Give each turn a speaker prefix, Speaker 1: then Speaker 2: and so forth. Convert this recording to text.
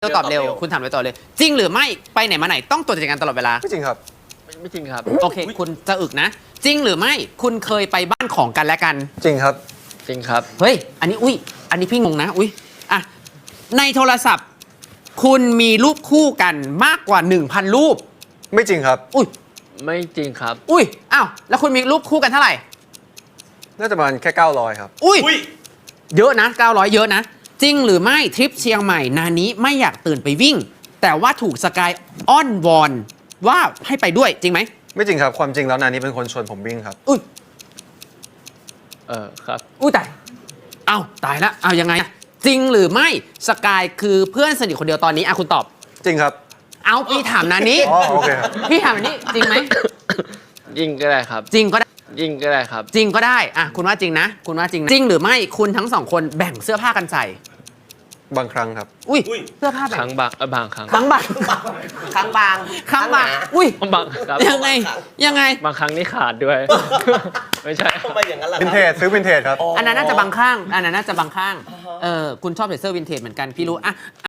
Speaker 1: ตอบเร็วคุณถามไปต่อเลย จริงหรือไม่ไปไหนมาไหนต้องตรวจจัดการตลอดเวลา
Speaker 2: ไม่จริงครับ
Speaker 3: ไม่จริงครับ
Speaker 1: โอเค คุณจะอึกนะ จริงหรือไม่คุณเคยไปบ้านของกันและกัน
Speaker 2: จริงครับ
Speaker 3: จริงครับ
Speaker 1: เฮ้ย อันนี้อันนี้พี่งงนะอ่ะในโทรศัพท์ คุณมีรูปคู่กันมากกว่า 1,000 รูป
Speaker 2: ไม่จริงครับ
Speaker 3: ไม่จริงครับ
Speaker 1: อ้าวแล้วคุณมีรูปคู่กันเท่าไหร่
Speaker 2: น่าจะประมาณแค่900ครับ
Speaker 1: เยอะนะ900เยอะนะ จริงหรือไม่ทริปเชียงใหม่นานี้ไม่อยากตื่นไปวิ่ง แต่ว่าถูกสกายอ้อนวอนว่าให้ไปด้วยจริงไหม
Speaker 2: ไม่จริงครับ ความจริงแล้วนานี้เป็นคนชวนผมวิ่งครับ
Speaker 3: ครับ
Speaker 1: ตายตายแล้วยังไงอะจริงหรือไม่สกายคือเพื่อนสนิทคนเดียวตอนนี้คุณตอบ
Speaker 2: จริงครับ
Speaker 1: พี่ถามนานี้
Speaker 2: อ๋อโอเคครับ
Speaker 1: พี่ถามนานี้จริงไหม
Speaker 3: ยิงก็ได้ครับ
Speaker 1: จริงก็ได้
Speaker 3: ยิงก็ได้ครับ
Speaker 1: จริงก็ได้คุณว่าจริงนะ คุณว่าจริงนะจริงหรือไม่คุณทั้งสองคนแบ่งเสื้อผ้ากันใส่
Speaker 2: บางครั้งครับ
Speaker 1: เสื้อผ้าแบ่
Speaker 3: ครั้งบางครั้ง
Speaker 1: ครั้งบาง
Speaker 4: ครั้งบาง
Speaker 1: ครั้งบาง
Speaker 3: บางครับ
Speaker 1: ยังไง
Speaker 3: บางครั้งนี่ขาดด้วย ไม่ใช่
Speaker 4: ทำไมอย่างนั้นล่ะ
Speaker 2: วินเทจซื้อวินเทจครับ
Speaker 1: อันนั้นน่าจะบางข้างคุณชอบใส่เสื้อวินเทจเหมือนกันพี่รู้